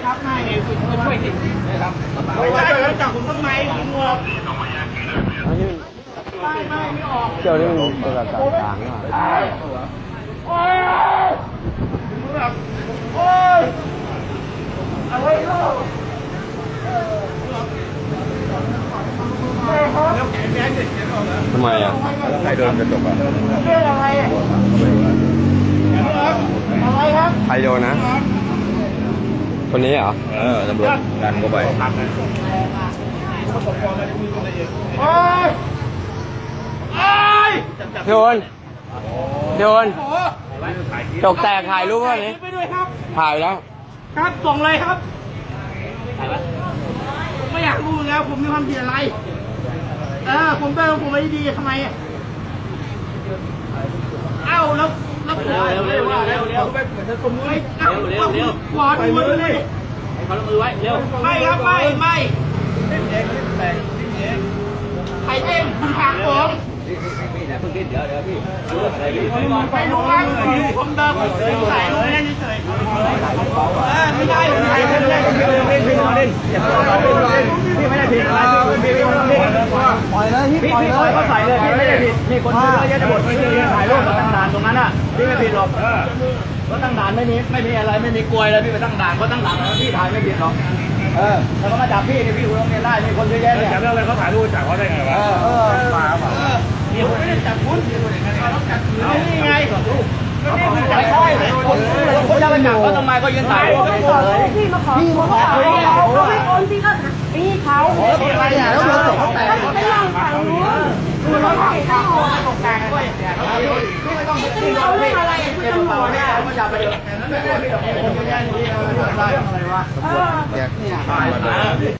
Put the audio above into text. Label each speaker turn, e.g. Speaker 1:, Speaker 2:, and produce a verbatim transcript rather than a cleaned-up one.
Speaker 1: ครับไม่ไงคุณมาช่วยสินะครับไม่ใช่แล้วจับผมทำไมคุณหมวกไม่ไม่ไม่ออก
Speaker 2: เจ้านี่มันเป็นแบบต่างๆอ่ะ
Speaker 1: โอ้ยโอ้ยอะไรเล่า
Speaker 2: ทำไมอ่ะ
Speaker 3: ใครโดนกระจกอ่ะ
Speaker 1: เรื่องอะไรอะไรครับ
Speaker 2: ใครโดนนะคนนี้เหรอ
Speaker 3: เออตำรวจงานเข้าไป
Speaker 1: โอ้ยโอ้ย
Speaker 2: โดนโดนจกแตกถ่ายรูปว่านี้
Speaker 1: ไปด้วยครับ
Speaker 2: ถ่ายแล้ว
Speaker 1: ครับส่งเลยครับถ่ายไหมไม่อยากรู้แล้วผมมีความผิดอะไรเออผมเป็นผมไม่ดีทำไมเอ้าแล้วแล้วผมเร็วเร็วเร็วเร็วเหมือนจะสมมติเร็วเร็วเร็วขวานมือเลยให้เขาลงมือไว้เร็วไม่ครับไม่ไม่ใครเองคุณทางผมเดี๋ยวเดี๋ยวพี่ไปลุงนั่งอยู่ผมเดิมใส่ลุงนั่นเฉยไม่ได้ไม่ได้ไม่ได้ไม่ได้พี่ไม่ได้ผิดอะไรพี่ไม่ได้ผิดพี่ไม่ได้ผิดปล่อยเลยพี่ปล่อยเลยเขาใส่เลยพี่ไม่ได้ผิดมีคนเยอะแยะไปหมดพี่ถ่ายรูปมาตั้งด่านตรงนั้นอ่ะพี่ไม่ผิดหรอกก็ตั้งด่านไม่มีไม่มีอะไรไม่มีกลวยเลยพี่ไปตั้งด่านก็ตั้งด่านแล้วพี่ถ่ายไม่ผิดหรอกเออแล้วก็มาจับพี่เนี่ยพี่คุณต้องเรียนได้มีคนเยอะแยะเนี่ยจับเรื่องอะไรเขาถ่ายรูปจับเขาได้ไงวะเออเออมานี่ผมไม่ได้จับคุณเอานี่ไงไม่ใช่คนคนจะไปจับเขาทำไมก็ยืนถ่ายรูปเลย
Speaker 4: พี่มาขอพี่มาขอเขาไม่โอนพี่ก็พี่เขา
Speaker 1: อะไรอ่ะแล้วเราตกแต่ง
Speaker 4: ไม่ลองฟังรู้คือเราถ่ายเขา
Speaker 1: ตกแต่งด้วยพี่ไม่ต้องพี่เราเรื่องอะไรพี่ตำรวจเนี่ยมาจับไปเถอะไม่ได้พี่หรอกคนแย่งนี่อะไรวะ
Speaker 4: เออ